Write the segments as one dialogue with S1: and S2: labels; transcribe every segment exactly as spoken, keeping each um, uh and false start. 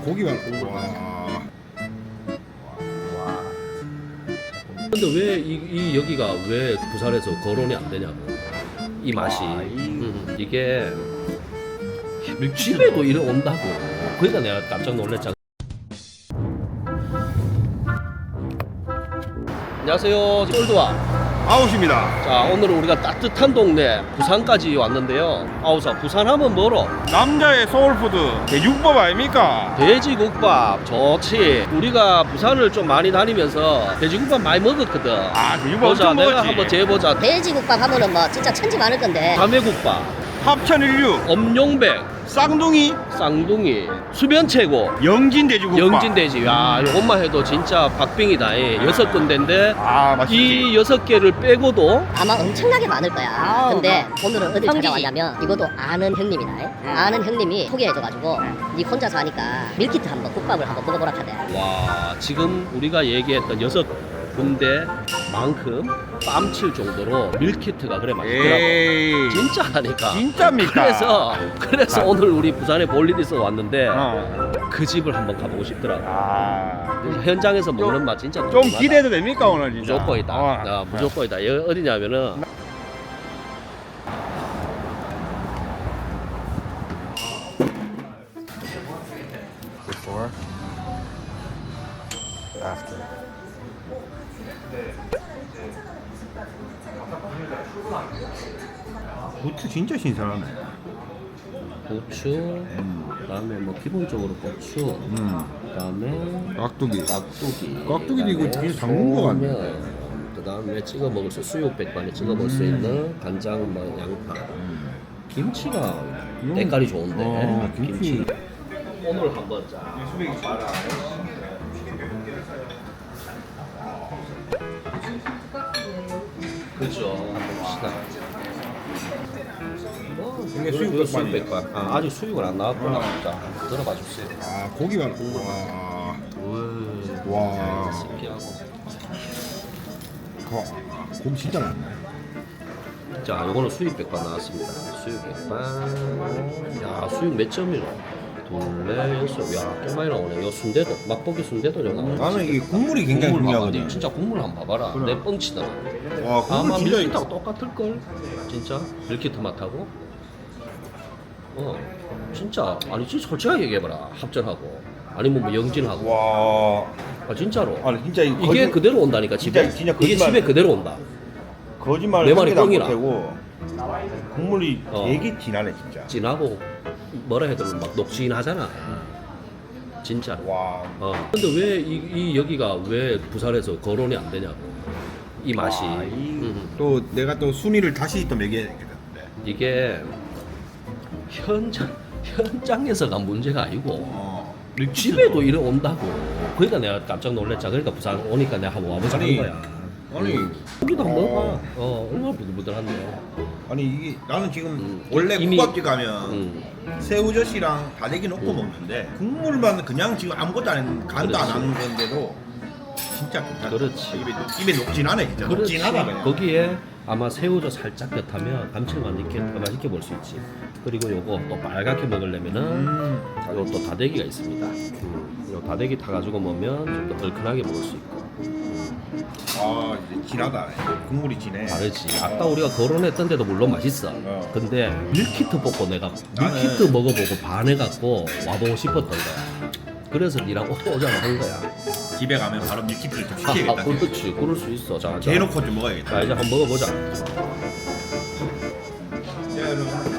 S1: 고기만 국물. 와.
S2: 근데 왜 이 이 여기가 왜 부산에서 거론이 안 되냐고. 이 맛이.
S1: 와, 이-
S2: 음, 이게 집에도 이래 온다고. 그러니까 내가 깜짝 놀랐잖아. 안녕하세요. 쫄드와.
S1: 아웃입니다.
S2: 자, 오늘 우리가 따뜻한 동네 부산까지 왔는데요. 아우사 부산하면 뭐로?
S1: 남자의 소울푸드 대육밥 아닙니까?
S2: 돼지국밥 좋지. 우리가 부산을 좀 많이 다니면서 돼지국밥 많이 먹었거든.
S1: 아 대육밥
S2: 보자,
S1: 엄청
S2: 내가
S1: 먹었지.
S2: 한번 재보자.
S3: 돼지국밥 하면은 뭐 진짜 천지 많을 건데
S2: 감회국밥,
S1: 합천일류,
S2: 엄룡백,
S1: 쌍둥이,
S2: 쌍둥이, 수변채고,
S1: 영진 돼지국밥.
S2: 영진돼지. 야, 이것만 해도 진짜 박빙이다. 이 여섯 군데인데
S1: 아 맛있지.
S2: 이 여섯 개를 빼고도
S3: 아마 엄청나게 많을 거야.
S1: 아우,
S3: 근데 오늘은 어디
S4: 성지지.
S3: 찾아왔냐면 이것도 아는 형님이다. 아는 형님이 소개해줘가지고 니 혼자서 하니까 밀키트 한번 국밥을 한번 먹어보라 하대.
S2: 와, 지금 우리가 얘기했던 여섯 군데만큼 뺨칠 정도로 밀키트가 그래 맛있더라고.
S1: 에이.
S2: 진짜 하니까.
S1: 진짜입니까?
S2: 그래서 그래서 오늘 우리 부산에 볼 일이 있어 왔는데
S1: 어.
S2: 그 집을 한번 가보고 싶더라고.
S1: 아.
S2: 그래서 현장에서 먹는 맛 진짜
S1: 좀
S2: 궁금하다.
S1: 기대도 됩니까 오늘 진짜?
S2: 무조건이다.
S1: 어.
S2: 아, 무조건이다. 여기 어디냐면은
S1: Before, after. 고추 진짜 신선하네.
S2: 고추, 그다음에 뭐 기본적으로 고추,
S1: 음.
S2: 그다음에
S1: 깍두기.
S2: 깍두기,
S1: 깍두기도 이거 되게 담근 거 같네.
S2: 소면, 그다음에 찍어 먹을 수 수육 백반에 찍어 먹을 수 있는 간장, 뭐 양파, 김치가
S1: 음.
S2: 때깔이 좋은데
S1: 어, 김치.
S2: 오늘 한번 자. 그렇죠. 한번 봅시다. 뭐,
S1: 이게
S2: 이거
S1: 수육
S2: 수육
S1: 백반이에요.
S2: 백반. 아, 아직 수육을 안 나왔구나. 자, 한번 들어봐 주세요.
S1: 아 고기만 국물. 와. 와.
S2: 신기하고.
S1: 거. 고기 진짜 많네.
S2: 자, 요거는 수육 백반 나왔습니다. 수육 백반. 야, 수육 몇 점이노? 둘, 넷, 여섯. 야, 꽤 많이 나오네. 요 순대도, 맛보기 순대도 좀 나오네.
S1: 나는 이게 국물이 굉장히
S2: 국물 봐봐.
S1: 중요하거든.
S2: 진짜 국물 한번 봐봐라.
S1: 그래.
S2: 내 뻥치더라.
S1: 와 국물
S2: 아마
S1: 진짜.
S2: 밀키트하고 똑같을걸? 진짜? 밀키트 맛하고? 어, 진짜. 아니, 진짜 솔직하게 얘기해봐라. 합전하고. 아니면 뭐 영진하고.
S1: 와.
S2: 아, 진짜로.
S1: 아니 진짜 이
S2: 이게
S1: 거짓-
S2: 그대로 온다니까, 집에.
S1: 진짜- 진짜
S2: 이게
S1: 거짓말-
S2: 집에 그대로 온다.
S1: 거짓말을
S2: 내 말이
S1: 한 개도 안
S2: 뻥이라.
S1: 못하고 국물이
S2: 어.
S1: 되게 진하네 진짜.
S2: 진하고, 뭐라 해야 되나, 막 녹진하잖아. 진짜로.
S1: 와.
S2: 어. 근데 왜 이, 이 여기가 왜 부산에서 거론이 안 되냐고. 이 맛이.
S1: 와, 이-
S2: 음.
S1: 또 내가 또 순위를 다시 또 매겨야겠는데.
S2: 이게 현장 현장에서가 문제가 아니고
S1: 어.
S2: 집에도 이래 온다고. 그러니까 내가 깜짝 놀랐잖아. 그러니까 부산 오니까 내가 한번 와보자 한
S1: 아니,
S2: 거야.
S1: 아니
S2: 고기도 한번
S1: 어.
S2: 먹어봐. 어, 얼마나 부들부들한데요.
S1: 아니 이게 나는 지금
S2: 음,
S1: 원래
S2: 이미-
S1: 국밥집 가면
S2: 음.
S1: 새우젓이랑 다대기 넣고 먹는데 국물만 그냥 지금 아무것도 안 했는 간도 안
S2: 그렇지.
S1: 하는 건데도 진짜 괜찮다.
S2: 그렇지.
S1: 입에 입에 녹진하네 진짜.
S2: 그렇지.
S1: 녹진하다 그냥.
S2: 거기에 아마 새우젓 살짝 곁하면 감칠맛 있게 더 맛있게 볼 수 있지. 그리고 요거 또 빨갛게 먹으려면은
S1: 음.
S2: 요또 다대기가 있습니다. 음, 요 다대기 타가지고 먹으면 좀 더 얼큰하게 먹을 수 있고.
S1: 아 이제 진하다. 국물이 진해.
S2: 다르지. 아까 우리가 거론했던 데도 물론 맛있어.
S1: 어.
S2: 근데 밀키트 먹고 내가
S1: 나는-
S2: 밀키트 먹어보고 반해갖고 와보고 싶었던 거야. 그래서 니랑 오자고 한 거야.
S1: 집에 가면 바로 밀키트를 좀
S2: 아,
S1: 시켜야겠다.
S2: 그렇지. 그럴 수 있어. 자, 자.
S1: 대놓고 좀 먹어야겠다.
S2: 자, 이제 한번 먹어보자.
S1: 자, 여러분.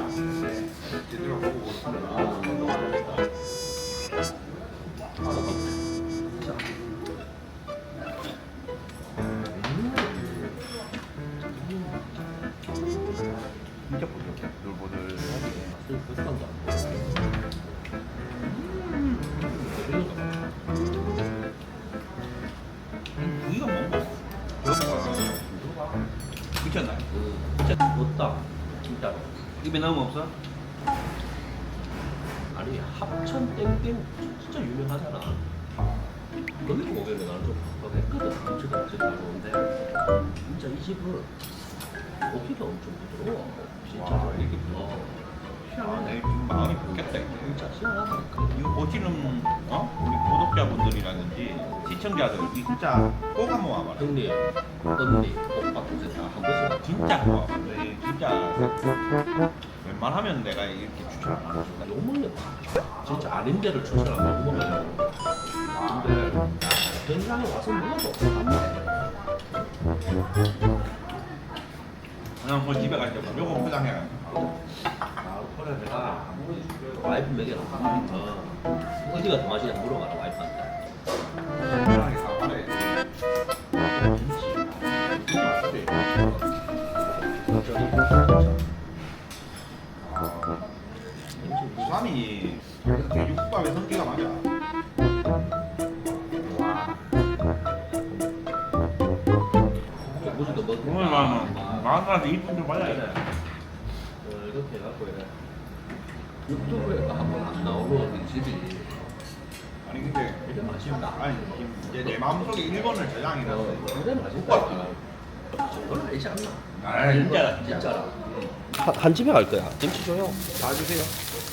S1: 진짜 부드럽다. 노릇노릇하게. 부위가 뭔가? 미쳤나?
S2: 진짜 못다. 진짜로.
S1: 입에 나무 없어?
S2: 아니, 합천 땡땡 진짜 유명하잖아. 거기도 오면 나는 좀 했거든. 엄청 엄청 잘 오는데 진짜 이 집은 고기가 엄청 부드러워. 진짜.
S1: 와, 이게
S2: 어.
S1: 희한하네. 지금 마음이 바뀌었다. 이거.
S2: 진짜 희한하다.
S1: 이거 고기는 어? 구독자분들이라든지 시청자들이 진짜 꼭 한번 와봐라.
S2: 형님, 언니, 오빠 동생 다한 번씩 와.
S1: 진짜 꼭 와봐. 네, 진짜 웬만하면 내가 이렇게 추천 안 하죠.
S2: 욕먹는 진짜 아닌 데를 추천하고 욕먹어요. 근데 현장에 와서 먹어도 안돼.
S1: 그냥 뭐 집에 갈 때 무조건 포장해.
S2: 아, 그래 내가 와이프 먹여놓고 어, 어디가 더 맛있냐 물어봐라 와이프한테.
S1: 편하게 사와래. 김치. 수삼이 돼지국밥의 성기가 맞아.
S2: 무지도 먹고.
S1: 오늘 마음 마음까지 이쁜 좀 받아야 돼.
S2: 어, 이렇게 해갖고 이래. 유튜브에가 한번 안 나오고 이 집이
S1: 아니 근데
S2: 되게 맛있다.
S1: 아니 이제 내 마음속에 일 번을 저장해놨어.
S2: 어, 되게 맛있다. 저건 아니지 않나?
S1: 아 진짜
S2: 진짜라. 한, 한 집에 갈 거야. 김치 줘요.
S1: 다 주세요.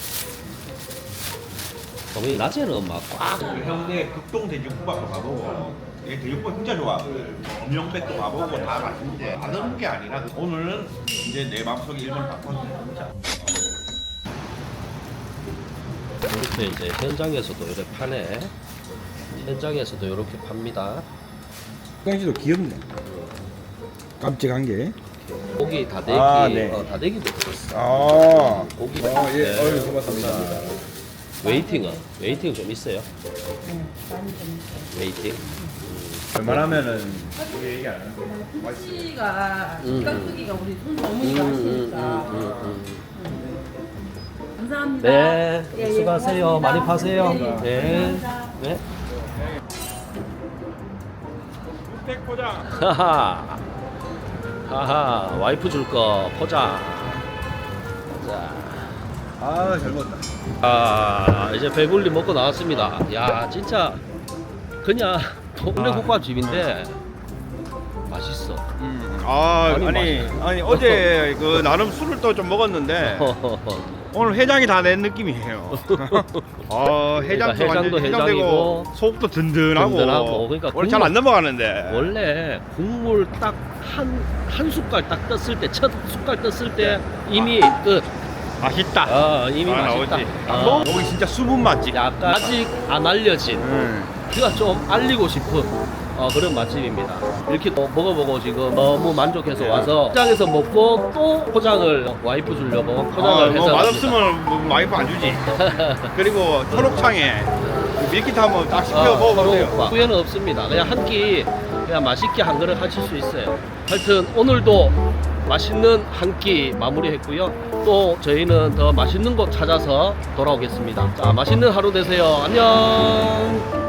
S2: 어머니 낮에는 막 꽉.
S1: 형네 극동 돼지국밥도 가보고 얘 돼지국밥 진짜 좋아하거든. 엄영백도 가보고 다 맛있는데 다른 게 아니라 오늘은 이제 내 마음속에 일 번 바꿨네 진짜.
S2: 이렇게 이제 현장에서도 이렇게 파네. 현장에서도 이렇게 팝니다.
S4: 강씨도 귀엽네. 깜찍한 게.
S2: 고기 다대기,
S4: 아, 네.
S2: 어, 다대기도 들었어.
S4: 아.
S2: 고기.
S4: 아, 예.
S2: 네.
S4: 어유 고맙습니다.
S2: 웨이팅은 웨이팅 좀 있어요. 웨이팅.
S4: 웬만하면은 우리 얘기 안 하는데.
S5: 김치가
S2: 음.
S5: 깍두기가 우리 손
S2: 음,
S5: 어머니가
S2: 음,
S5: 하시니까
S2: 음,
S5: 감사합니다.
S2: 네,
S5: 예, 예,
S2: 수고하세요.
S5: 고맙습니다.
S2: 많이 파세요.
S5: 네, 예.
S2: 네.
S5: 감사합니다.
S2: 네.
S4: 백 포장.
S2: 하하. 하하. 와이프 줄 거 포장. 자.
S4: 아, 잘 먹었다.
S2: 아, 이제 배불리 먹고 나왔습니다. 야, 진짜 그냥 동네
S4: 아.
S2: 국밥집인데 맛있어.
S4: 음. 아,
S2: 아니,
S4: 아니,
S2: 맛있어.
S4: 아니 어제 그 나름 술을 또 좀 먹었는데 오늘 해장이 다 낸 느낌이에요. 아, 해장도,
S2: 그러니까 해장도
S4: 완전 해장되고
S2: 해장이고
S4: 속도 든든하고.
S2: 든든하고, 그러니까
S4: 원래 잘 안 넘어가는데.
S2: 원래 국물 딱 한 한 숟갈 딱 떴을 때, 첫 숟갈 떴을 때 이미 끝.
S4: 맛있다.
S2: 아, 이미
S4: 아,
S2: 맛있다.
S4: 나오지.
S2: 어.
S4: 여기 진짜 숨은 맛집.
S2: 약간 아직 안 알려진,
S4: 음.
S2: 그가 좀 알리고 싶은 어, 그런 맛집입니다. 이렇게 또 먹어보고 지금 너무 만족해서 와서 포장해서 먹고 또 포장을 와이프 주려고 포장을
S4: 아,
S2: 해서
S4: 뭐
S2: 갑니다.
S4: 맛없으면 뭐 와이프 안 주지. 그리고 초록창에 밀키트 한번 딱 시켜
S2: 어,
S4: 먹어보세요.
S2: 서로 후회는 없습니다. 그냥 한 끼 그냥 맛있게 한 그릇 하실 수 있어요. 하여튼 오늘도 맛있는 한 끼 마무리했고요. 또 저희는 더 맛있는 곳 찾아서 돌아오겠습니다. 자, 맛있는 하루 되세요. 안녕.